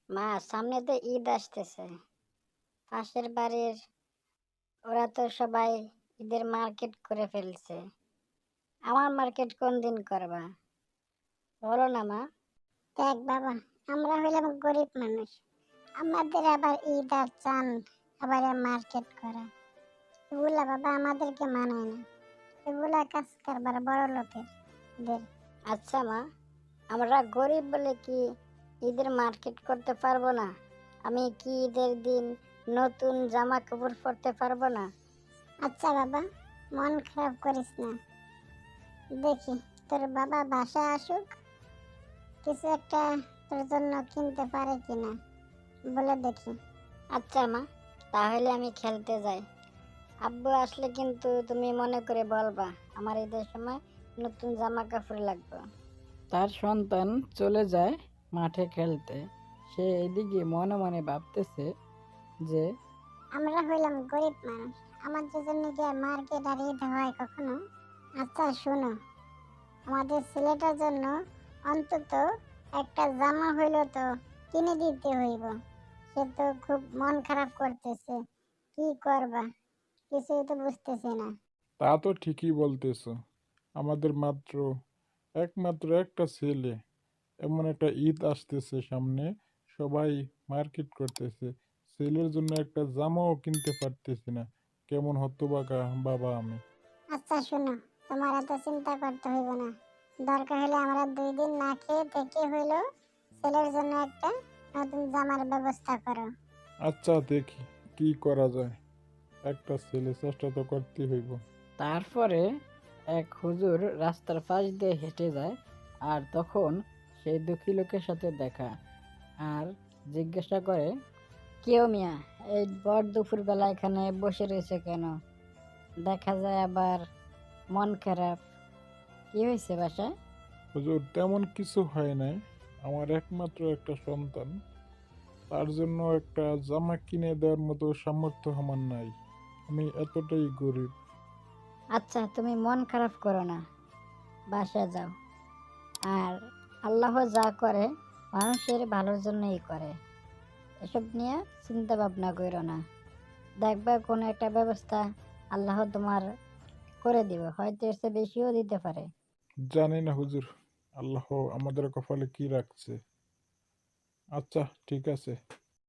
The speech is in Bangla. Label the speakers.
Speaker 1: মা, সামনে তো ঈদ আসতেছে। পাশের বাড়ির ওরা তো সবাই ঈদের মার্কেট করে ফেলছে। আমার মার্কেট কোন দিন করবা বলো না মা?
Speaker 2: দেখ বাবা, আমরা হইলাম গরিব মানুষ, আমাদের আবার ঈদ আর চান, আবার মার্কেট করা, এগুলা বাবা আমাদেরকে মানায় না। এগুলা কাজ কারবার বড় লোকের।
Speaker 1: আচ্ছা মা, আমরা গরিব বলে কি ঈদের মার্কেট করতে পারবো না? আমি কি ঈদের দিন নতুন জামা কাপড় পরতে পারবো না?
Speaker 2: আচ্ছা বাবা, মন খারাপ করিস না। দেখি তোর বাবা বাসায় আসুক, কিছু একটা তোর জন্য কিনতে পারে কিনা বলে দেখি।
Speaker 1: আচ্ছা মা, তাহলে আমি খেলতে যাই। আব্বু আসলে কিন্তু তুমি মনে করে বলবা আমার ঈদের সময় নতুন জামা কাপড় লাগবে।
Speaker 3: তার সন্তান চলে যায় মাঠে খেলতে। সে এদিকে মনে মনে ভাবতেছে যে
Speaker 2: আমরা হইলাম গরিব মানুষ, আমাদের জন্য কি আর মার্কেট আর ঈদ হয় কখনো? আচ্ছা শোনো, আমাদের ছেলেটার জন্য অন্তত একটা জামা হইলো তো কিনে দিতে হইব। সে তো খুব মন খারাপ করতেছে, কি করবা কিছুই তো বুঝতেছি না।
Speaker 4: তা তো ঠিকই বলতেছ। আমাদের একমাত্র একটা ছেলে, এমন একটা ঈদ আসতেছে সামনে, সবাই মার্কেট করতেছে, ছেলের জন্য একটা জামাও কিনতে পারতেছি না। কেমন হতবাকা বাবা আমি।
Speaker 2: আচ্ছা শোনো, তোমার এত চিন্তা করতে হইব না। দরকার হলে আমরা 2 দিন না খেয়ে থেকে হইলো ছেলের জন্য একটা নতুন জামার ব্যবস্থা করো।
Speaker 4: আচ্ছা দেখি কি করা যায়, একটা ছেলে চেষ্টা তো করতে হইব।
Speaker 3: তারপরে এক হুজুর রাস্তার পাশ দিয়ে হেঁটে যায়, আর তখন সেই দুঃখী লোকের সাথে দেখা, আর জিজ্ঞাসা করে,
Speaker 1: কেউ মিয়া, এই বর দুপুর বেলা এখানে বসে রয়েছে কেন? দেখা যায় আবার মন খারাপ। কি হয়েছে বাসায়?
Speaker 4: হুজুর, তেমন কিছু হয় নাই। আমার একমাত্র একটা সন্তান, তার জন্য একটা জামা কিনে দেওয়ার মতো সামর্থ্য আমার নাই। আমি এতটাই গরিব।
Speaker 1: আচ্ছা, তুমি মন খারাপ করো না, বাসায় যাও। আর আল্লাহ যা করে মানুষের ভালোর জন্যই করে। এসব নিয়ে চিন্তা ভাবনা করো না। দেখবে কোনো একটা ব্যবস্থা আল্লাহ তোমার করে দিবে, হয়তো এর চেয়ে বেশিও দিতে পারে।
Speaker 4: জানি না হুজুর, আল্লাহ আমাদের কপালে কি রাখছে। আচ্ছা ঠিক আছে।